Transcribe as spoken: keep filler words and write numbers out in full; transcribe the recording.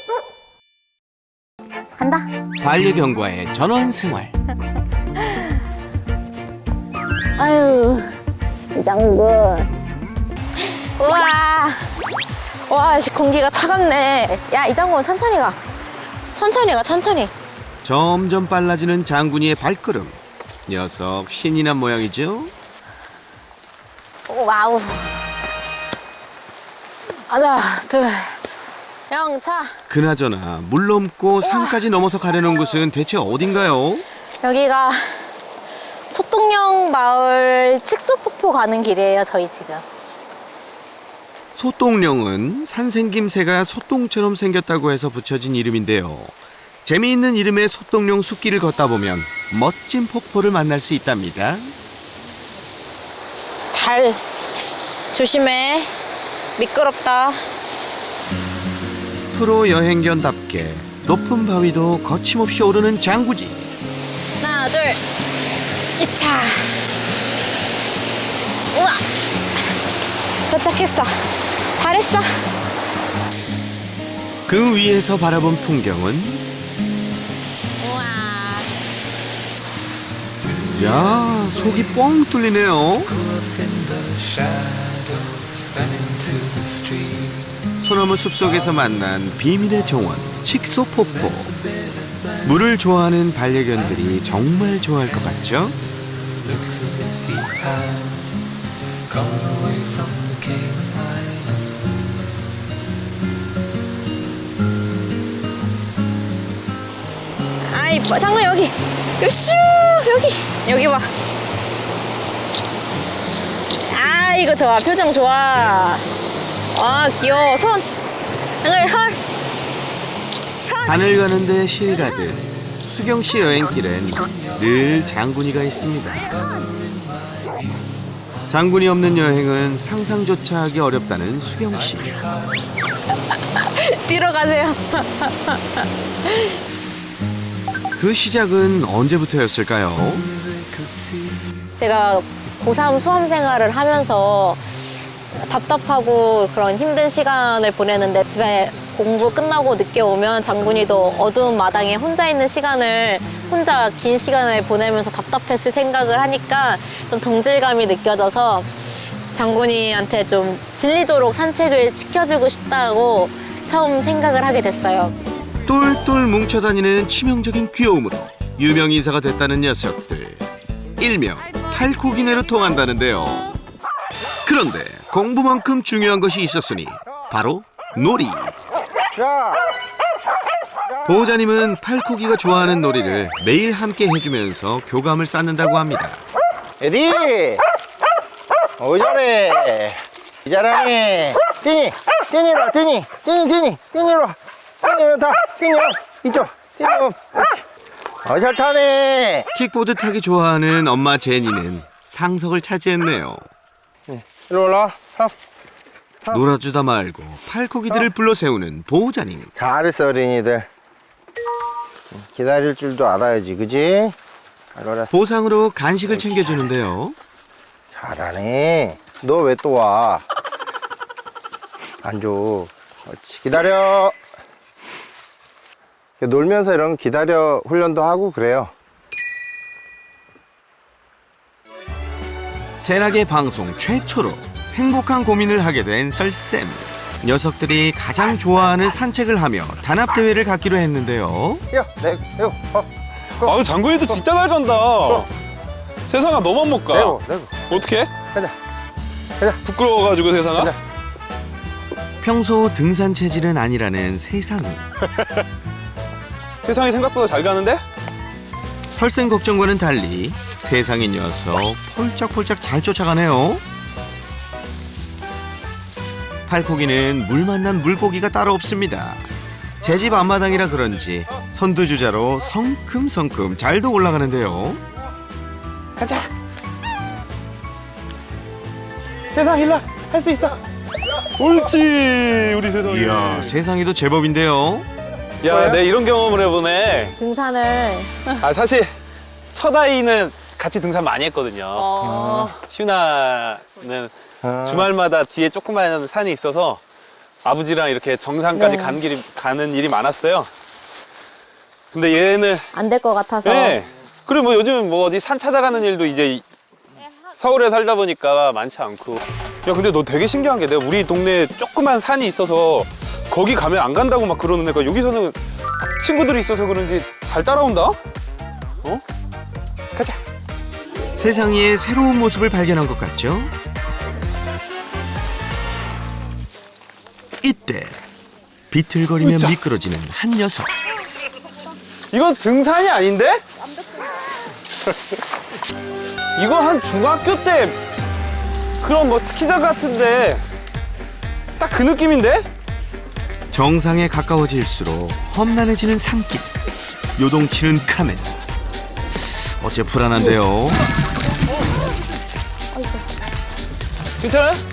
간다. 반려견과의 전원 생활. 아유, 이장군. 우와. 와, 씨, 공기가 차갑네. 야, 이장군, 천천히 가. 천천히 가, 천천히. 점점 빨라지는 장군이의 발걸음. 녀석 신이 난 모양이죠? 오, 와우. 하나, 둘, 영차. 그나저나 물 넘고 산까지 넘어서 가려는 곳은 대체 어딘가요? 여기가 소똥령 마을 칙소폭포 가는 길이에요, 저희 지금. 소똥령은 산생김새가 소똥처럼 생겼다고 해서 붙여진 이름인데요. 재미있는 이름의 소똥령 숲길을 걷다 보면 멋진 폭포를 만날 수 있답니다. 잘 조심해. 미끄럽다. 프로 여행견답게 높은 바위도 거침없이 오르는 장구지. 하나, 둘, 이차. 우와. 도착했어. 잘했어. 그 위에서 바라본 풍경은 우와. 야, 속이 뻥 뚫리네요. 소나무 숲속에서 만난 비밀의 정원 칙소폭포. 물을 좋아하는 반려견들이 정말 좋아할 것 같죠? 아, 이뻐. 장군 여기. 요슈 여기. 여기 봐. 아, 이거 좋아. 표정 좋아. 아, 귀여워. 손. 장군 헐. 하늘 가는데 실 가듯 수경씨 여행길엔 늘 장군이가 있습니다. 장군이 없는 여행은 상상조차 하기 어렵다는 수경씨. 뒤로 가세요. 그 시작은 언제부터였을까요? 제가 고삼 수험 생활을 하면서 답답하고 그런 힘든 시간을 보내는데 집에 공부 끝나고 늦게 오면 장군이도 어두운 마당에 혼자 있는 시간을 혼자 긴 시간을 보내면서 답답했을 생각을 하니까 좀 동질감이 느껴져서 장군이한테 좀 질리도록 산책을 시켜주고 싶다고 처음 생각을 하게 됐어요. 똘똘 뭉쳐다니는 치명적인 귀여움으로 유명 인사가 됐다는 녀석들. 일명 팔코기네로 통한다는데요. 그런데 공부만큼 중요한 것이 있었으니 바로 놀이. 보호자님은 팔코기가 좋아하는 놀이를 매일 함께 해주면서 교감을 쌓는다고 합니다. 에디! 어, 잘해. 잘하네. 띠니! 띠니로 와, 띠니! 띠니, 띠니! 띠니로 와. 띠니로 타. 띠니 와. 이쪽. 띠니 와. 어, 잘 타네. 킥보드 타기 좋아하는 엄마 제니는 상석을 차지했네요. 이리 올라와. 탑. 놀아주다 말고 팔코기들을 불러 세우는 보호자님. 잘했어, 어린이들. 기다릴 줄도 알아야지, 그지? 잘 알았어. 보상으로 간식을 챙겨주는데요. 잘하네. 너 왜 또 와? 안 줘. 그렇지. 기다려. 놀면서 이런 기다려 훈련도 하고 그래요. 세락의 방송 최초로 행복한 고민을 하게 된 설쌤. 녀석들이 가장 좋아하는 산책을 하며 단합대회를 갖기로 했는데요. 뛰어, 내, 내고, 어, 아, 그 장군이도 진짜 잘 간다. 세상아, 너만 못 가. 내고, 내고. 어떻게? 가자. 가자. 부끄러워가지고 세상아? 가자. 평소 등산 체질은 아니라는 세상이. 세상이 생각보다 잘 가는데? 설쌤 걱정과는 달리 세상의 녀석 폴짝폴짝 잘 쫓아가네요. 팔코기는 물 만난 물고기가 따로 없습니다. 제 집 앞마당이라 그런지 선두주자로 성큼성큼 잘도 올라가는데요. 가자. 세상 일로 할 수 있어. 옳지, 우리 세상이. 이야, 세상에도 제법인데요. 야, 내 이런 경험을 해보네. 등산을 아, 사실 첫 아이는 같이 등산 많이 했거든요. 어... 슈나는 아. 주말마다 뒤에 조그마한 산이 있어서 아버지랑 이렇게 정상까지 네. 가는 길이 가는 일이 많았어요. 근데 얘는 안 될 것 같아서. 네. 그리고 뭐 요즘 뭐 어디 산 찾아가는 일도 이제 서울에 살다 보니까 많지 않고. 야, 근데 너 되게 신기한 게 내가 우리 동네에 조그만 산이 있어서 거기 가면 안 간다고 막 그러는 애가 여기서는 친구들이 있어서 그런지 잘 따라온다? 어? 가자. 세상에 새로운 모습을 발견한 것 같죠? 이때 비틀거리며 으쌰. 미끄러지는 한 녀석. 이건 등산이 아닌데? 이거 한 중학교 때 그런 뭐 스키장 같은데 딱 그 느낌인데? 정상에 가까워질수록 험난해지는 산길. 요동치는 카멘. 어째 불안한데요. 괜찮아요?